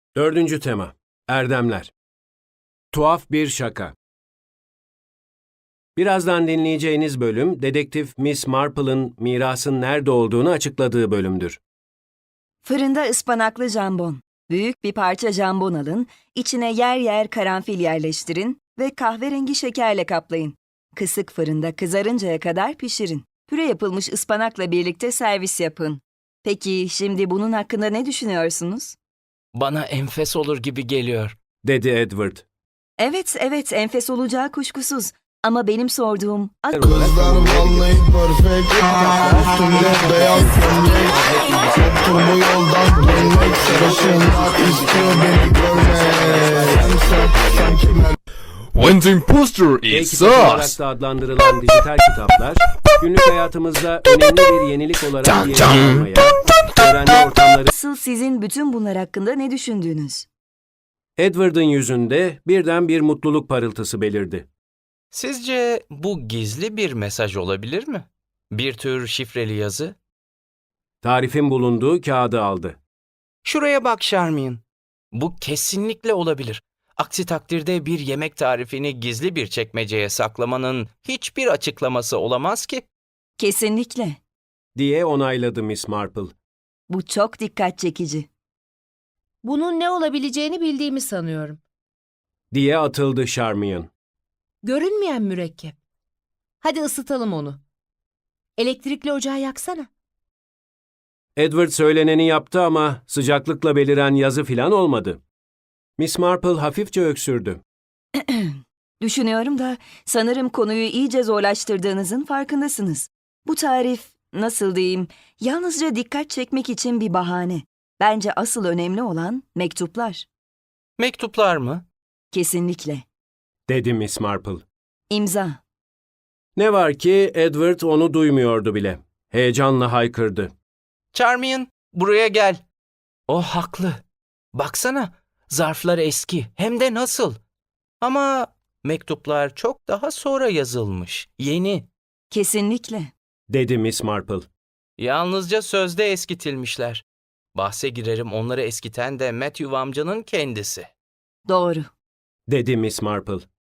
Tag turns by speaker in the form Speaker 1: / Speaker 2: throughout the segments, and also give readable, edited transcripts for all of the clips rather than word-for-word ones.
Speaker 1: Dördüncü tema. Erdemler. Tuhaf bir şaka. Birazdan dinleyeceğiniz bölüm, dedektif Miss Marple'ın mirasın nerede olduğunu açıkladığı bölümdür.
Speaker 2: Fırında ıspanaklı jambon. Büyük bir parça jambon alın, içine yer yer karanfil yerleştirin ve kahverengi şekerle kaplayın. Kısık fırında kızarıncaya kadar pişirin. Püre yapılmış ıspanakla birlikte servis yapın. Peki şimdi bunun hakkında ne düşünüyorsunuz?
Speaker 3: Bana enfes olur gibi geliyor.
Speaker 1: Dedi Edward.
Speaker 2: Evet, enfes olacağı kuşkusuz. Ama benim sorduğum...
Speaker 4: Kızlar vallahi perfect. Üstümde beyaz gömlek. Yoktur bu yoldan dönmek. Sarışınlar istiyor beni görmek. Sen kime?
Speaker 5: When the imposter is
Speaker 1: E-kitap olarak
Speaker 5: us.
Speaker 1: da adlandırılan dijital kitaplar, günlük hayatımızda önemli bir yenilik olarak yerini almaya, öğrenme ortamları...
Speaker 2: Asıl sizin bütün bunlar hakkında ne düşündüğünüz?
Speaker 1: Edward'ın yüzünde birden bir mutluluk parıltısı belirdi.
Speaker 3: Sizce bu gizli bir mesaj olabilir mi? Bir tür şifreli yazı?
Speaker 1: Tarifin bulunduğu kağıdı aldı.
Speaker 3: Şuraya bak Charmian. Bu kesinlikle olabilir. Aksi takdirde bir yemek tarifini gizli bir çekmeceye saklamanın hiçbir açıklaması olamaz ki.
Speaker 2: Kesinlikle.
Speaker 1: Diye onayladı Miss Marple.
Speaker 2: Bu çok dikkat çekici.
Speaker 6: Bunun ne olabileceğini bildiğimi sanıyorum.
Speaker 1: Diye atıldı Charmian.
Speaker 6: Görünmeyen mürekkep. Hadi ısıtalım onu. Elektrikli ocağı yaksana.
Speaker 1: Edward söyleneni yaptı ama sıcaklıkla beliren yazı filan olmadı. Miss Marple hafifçe öksürdü.
Speaker 2: Düşünüyorum da sanırım konuyu iyice zorlaştırdığınızın farkındasınız. Bu tarif, nasıl diyeyim, yalnızca dikkat çekmek için bir bahane. Bence asıl önemli olan mektuplar.
Speaker 3: Mektuplar mı?
Speaker 2: Kesinlikle.
Speaker 1: Dedi Miss Marple.
Speaker 2: İmza.
Speaker 1: Ne var ki Edward onu duymuyordu bile. Heyecanla haykırdı.
Speaker 3: Charmian, buraya gel. O haklı. Baksana, zarflar eski, hem de nasıl. Ama mektuplar çok daha sonra yazılmış, yeni.
Speaker 2: Kesinlikle.
Speaker 1: Dedi Miss Marple.
Speaker 3: Yalnızca sözde eskitilmişler. Bahse girerim onları eskiten de Matthew amcanın kendisi.
Speaker 2: Doğru.
Speaker 1: Dedi Miss Marple.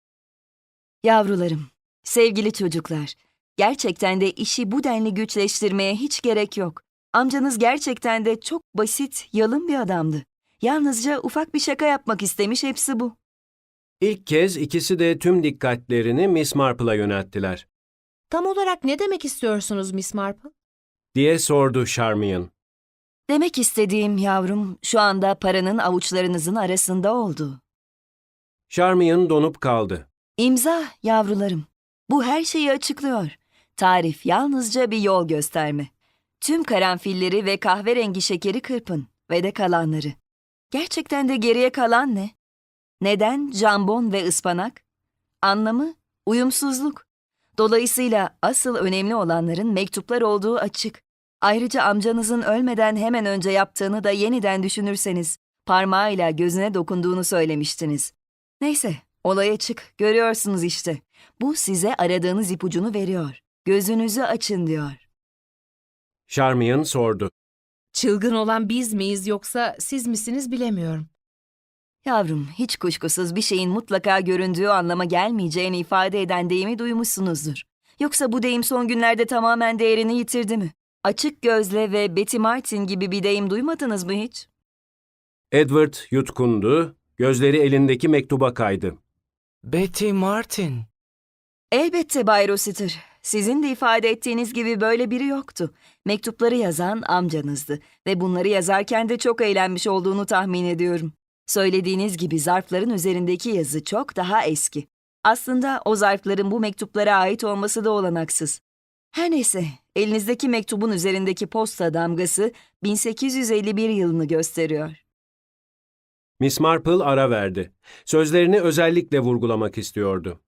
Speaker 2: Yavrularım, sevgili çocuklar, gerçekten de işi bu denli güçleştirmeye hiç gerek yok. Amcanız gerçekten de çok basit, yalın bir adamdı. Yalnızca ufak bir şaka yapmak istemiş, hepsi bu.
Speaker 1: İlk kez ikisi de tüm dikkatlerini Miss Marple'a yönelttiler.
Speaker 6: Tam olarak ne demek istiyorsunuz Miss Marple?
Speaker 1: Diye sordu Charmian.
Speaker 2: Demek istediğim yavrum, şu anda paranın avuçlarınızın arasında olduğu.
Speaker 1: Charmian donup kaldı.
Speaker 2: İmza yavrularım. Bu her şeyi açıklıyor. Tarif yalnızca bir yol gösterme. Tüm karanfilleri ve kahverengi şekeri kırpın ve de kalanları. Gerçekten de geriye kalan ne? Neden jambon ve ıspanak? Anlamı uyumsuzluk. Dolayısıyla asıl önemli olanların mektuplar olduğu açık. Ayrıca amcanızın ölmeden hemen önce yaptığını da yeniden düşünürseniz, parmağıyla gözüne dokunduğunu söylemiştiniz. Neyse, olaya çık, görüyorsunuz işte. Bu size aradığınız ipucunu veriyor. Gözünüzü açın diyor.
Speaker 1: Charmian sordu.
Speaker 6: Çılgın olan biz miyiz yoksa siz misiniz bilemiyorum.
Speaker 2: Yavrum, hiç kuşkusuz bir şeyin mutlaka göründüğü anlama gelmeyeceğini ifade eden deyimi duymuşsunuzdur. Yoksa bu deyim son günlerde tamamen değerini yitirdi mi? Açık gözle ve Betty Martin gibi bir deyim duymadınız mı hiç?
Speaker 1: Edward yutkundu, gözleri elindeki mektuba kaydı.
Speaker 3: Betty Martin.
Speaker 2: Elbette Bay Rossiter. Sizin de ifade ettiğiniz gibi böyle biri yoktu. Mektupları yazan amcanızdı ve bunları yazarken de çok eğlenmiş olduğunu tahmin ediyorum. Söylediğiniz gibi zarfların üzerindeki yazı çok daha eski. Aslında o zarfların bu mektuplara ait olması da olanaksız. Her neyse, elinizdeki mektubun üzerindeki posta damgası 1851 yılını gösteriyor.
Speaker 1: Miss Marple ara verdi. Sözlerini özellikle vurgulamak istiyordu.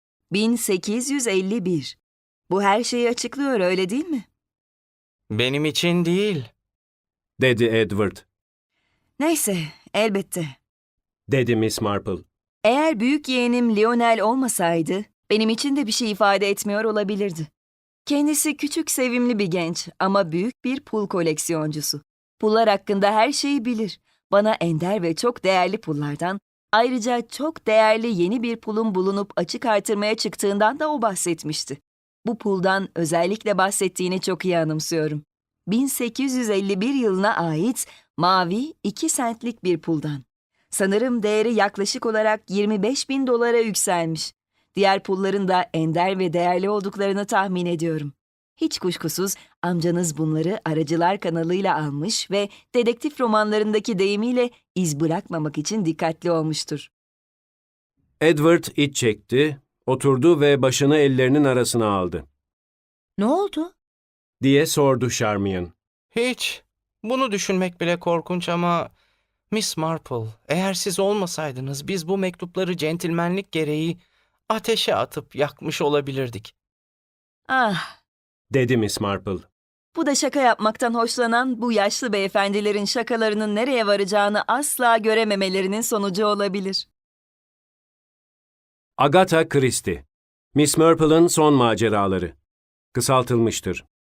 Speaker 2: 1851. Bu her şeyi açıklıyor, öyle değil mi?
Speaker 3: Benim için değil.
Speaker 1: Dedi Edward.
Speaker 2: Neyse, elbette.
Speaker 1: Dedi Miss Marple.
Speaker 2: Eğer büyük yeğenim Lionel olmasaydı, benim için de bir şey ifade etmiyor olabilirdi. Kendisi küçük, sevimli bir genç ama büyük bir pul koleksiyoncusu. Pullar hakkında her şeyi bilir. bana ender ve çok değerli pullardan, ayrıca çok değerli yeni bir pulun bulunup açık artırmaya çıktığından da o bahsetmişti. Bu puldan özellikle bahsettiğini çok iyi anımsıyorum. 1851 yılına ait mavi 2 sentlik bir puldan. Sanırım değeri yaklaşık olarak 25.000 dolara yükselmiş. Diğer pulların da ender ve değerli olduklarını tahmin ediyorum. Hiç kuşkusuz amcanız bunları aracılar kanalıyla almış ve dedektif romanlarındaki deyimiyle iz bırakmamak için dikkatli olmuştur.
Speaker 1: Edward iç çekti, oturdu ve başını ellerinin arasına aldı.
Speaker 6: Ne oldu?
Speaker 1: Diye sordu Charmian.
Speaker 3: Hiç. Bunu düşünmek bile korkunç ama Miss Marple, eğer siz olmasaydınız biz bu mektupları centilmenlik gereği ateşe atıp yakmış olabilirdik.
Speaker 2: Ah,
Speaker 1: Dedi Miss Marple.
Speaker 2: bu da şaka yapmaktan hoşlanan bu yaşlı beyefendilerin şakalarının nereye varacağını asla görememelerinin sonucu olabilir.
Speaker 1: Agatha Christie. Miss Marple'ın son maceraları. Kısaltılmıştır.